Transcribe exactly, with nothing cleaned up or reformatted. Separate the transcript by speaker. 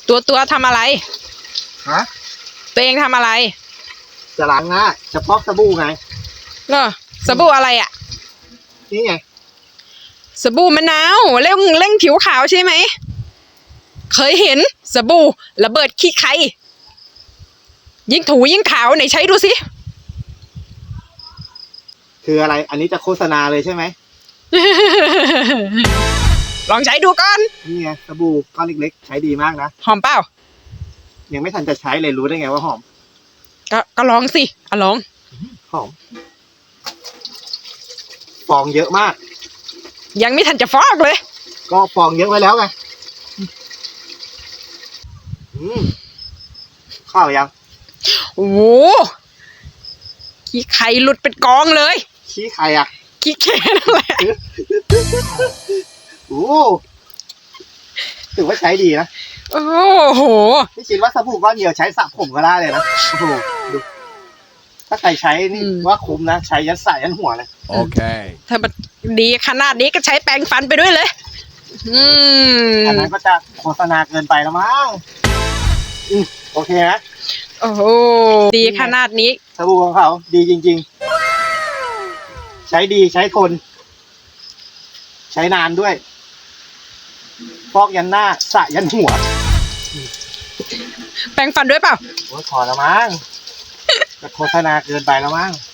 Speaker 1: ตัวตัวทำอะไร
Speaker 2: ฮะ
Speaker 1: ตัวเองทำอะไร
Speaker 2: จะล้างหน้าเฉพาะสบู่ไง
Speaker 1: เนอะสบู่อะไรอ่ะ
Speaker 2: นี่ไง
Speaker 1: สบู่มะนาวเร่งเร่งผิวขาวใช่ไหมเคยเห็นสบู่ระเบิดขี้ใครยิ่งถูยิ่งขาวไหนใช้ดูสิ
Speaker 2: คืออะไรอันนี้จะโฆษณาเลยใช่ไหม
Speaker 1: ลองใช้ดูก่อน
Speaker 2: นี่ไงสบู่ก้อนเล็กๆใช้ดีมากนะ
Speaker 1: หอมเปล่า
Speaker 2: ยังไม่ทันจะใช้เลยรู้ได้ไงว่าหอม
Speaker 1: ก็ก็ลองสิอ่ะลอง
Speaker 2: หอมฟองเยอะมาก
Speaker 1: ยังไม่ทันจะฟอกเลย
Speaker 2: ก็ฟองเยอะไว้แล้วไงอืมข้าวยัง
Speaker 1: โอ้โหขี้ไข่หลุดเป็นกองเลย
Speaker 2: ขี้ไข่อ่ะ
Speaker 1: ขี้แค่นั่นแหละ
Speaker 2: โอ้ถือว่าใช้ดีนะ
Speaker 1: โอ้โห
Speaker 2: พี่คิดว่าสบู่ก้อนเดียวใช้สระผมก็ได้เลยนะโอ้โหดูถ้าใครใช้นี่ว่าคุ้มนะใช้ยัดสายยันหัวเลย
Speaker 3: โอเค
Speaker 1: ถ้ามันดีขนาดนี้ก็ใช้แปรงฟันไปด้วยเลยอืม
Speaker 2: อันนั้นก็จะโฆษณาเกินไปแล้วมั้งอืมโอเคนะ
Speaker 1: โอ้โหดีขนาดนี้
Speaker 2: สบู่ของเขาดีจริงๆใช้ดีใช้ทนใช้นานด้วยฟอกยันหน้าสระยันหัว
Speaker 1: แปรงฟันด้วยเปล่า
Speaker 2: โอ้ยพอแล้วมั้งจะโฆษณาเกินไปแล้วมั้ง